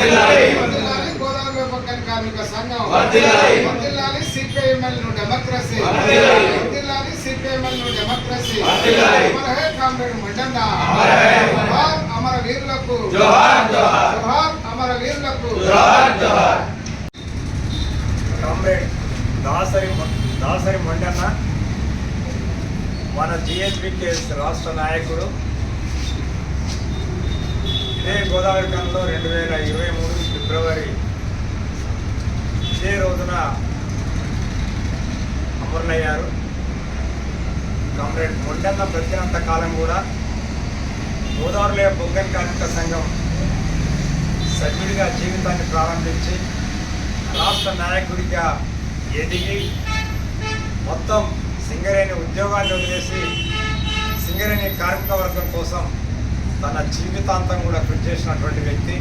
గోదావరి పక్కన కార్మిక సంఘం వర్ధిల్లాలి. సిపిఐఎంఎల్ డెమోక్రసీ వర్ధిల్లాలి. సిపిఐఎంఎల్ డెమోక్రసీ. అమర హే కామ్రేడ్ మండన్న. అమర వీరులకు జోహార్. అమర వీరులకు జోహార్. కామ్రేడ్ దాసరి మండన్న మన జిహెచ్బికేఎస్ రాష్ట్ర నాయకుడు. ఇదే గోదావరి కన్లో 2023 ఫిబ్రవరి ఇదే రోజున అమరులయ్యారు. కామ్రేడ్ మండన్న బ్రతికినంత కాలం కూడా గోదావరిలో బొగ్గన్ కార్మిక సంఘం సభ్యుడిగా జీవితాన్ని ప్రారంభించి రాష్ట్ర నాయకుడిగా ఎదిగి మొత్తం సింగరేణి ఉద్యోగాన్ని వదిలేసి సింగరేణి కార్మిక వర్గం కోసం తన జీవితాంతం కూడా కృషి చేసినటువంటి వ్యక్తి.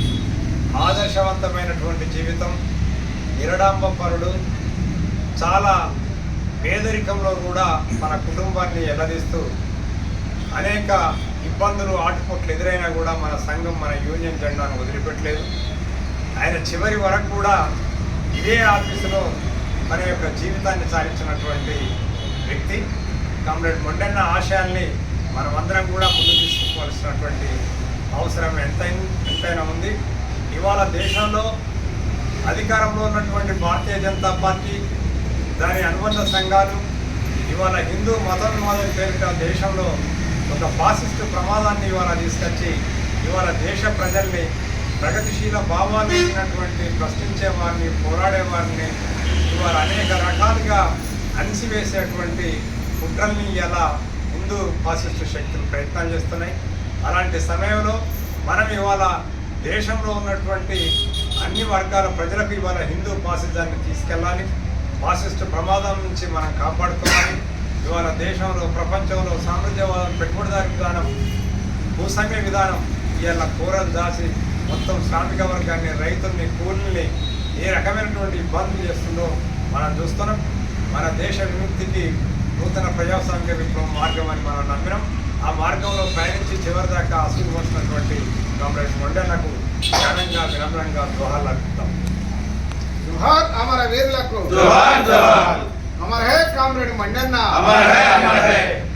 ఆదర్శవంతమైనటువంటి జీవితం, నిరడాంబపరుడు. చాలా పేదరికంలో కూడా మన కుటుంబాన్ని ఎల్లదీస్తూ అనేక ఇబ్బందులు ఆటుపోట్లు ఎదురైనా కూడా మన సంఘం మన యూనియన్ జెండాను వదిలిపెట్టలేదు. ఆయన చివరి వరకు కూడా ఇదే ఆఫీసులో మన యొక్క జీవితాన్ని సాగించినటువంటి వ్యక్తి. కామ్రేడ్ మండన్న ఆశయాల్ని మనమందరం కూడా ముందు తీసుకోవాల్సినటువంటి అవసరం ఎంతైనా ఉంది. ఇవాళ దేశంలో అధికారంలో ఉన్నటువంటి భారతీయ జనతా పార్టీ, దాని అనుబంధ సంఘాలు ఇవాళ హిందూ మతోన్మాదం పేరిట దేశంలో ఒక ఫాసిస్టు ప్రమాదాన్ని ఇవాళ తీసుకొచ్చి ఇవాళ దేశ ప్రజల్ని ప్రగతిశీల భావాలు ఇచ్చినటువంటి ప్రశ్నించే వారిని, పోరాడే వారిని ఇవాళ అనేక రకాలుగా అణిసివేసేటువంటి కుట్రల్ని ఇలా హిందూ ఫాసిస్టు శక్తులు ప్రయత్నాలు చేస్తున్నాయి. అలాంటి సమయంలో మనం ఇవాళ దేశంలో ఉన్నటువంటి అన్ని వర్గాల ప్రజలకు ఇవాళ హిందూ ఫాసిజాన్ని తీసుకెళ్ళాలి. ఫాసిస్టు ప్రమాదం నుంచి మనం కాపాడుకోవాలి. ఇవాళ దేశంలో, ప్రపంచంలో సామ్రాజ్యవాదం, పెట్టుబడిదారి విధానం, భూస్వామ్య విధానం ఇవాళ కూరలు దాచి మొత్తం శ్రామిక వర్గాన్ని, రైతుల్ని, కూలీల్ని ఏ రకమైనటువంటి ఇబ్బందులు చేస్తుందో మనం చూస్తున్నాం. మన దేశ విముక్తికి నూతన ప్రజాస్వామిక విప్లవం మార్గం అని మనం నమ్మినాం. ఆ మార్గంలో ప్రయాణించి చివరిదాకా అసలు వచ్చినటువంటి కామ్రేడ్ మండన్నకు ఘనంగా వినమ్రంగా జోహార్లు అర్పిస్తాం. జోహార్ అమర వీరులకు. అమర హే కామ్రేడ్ మండన్న. అమర హే.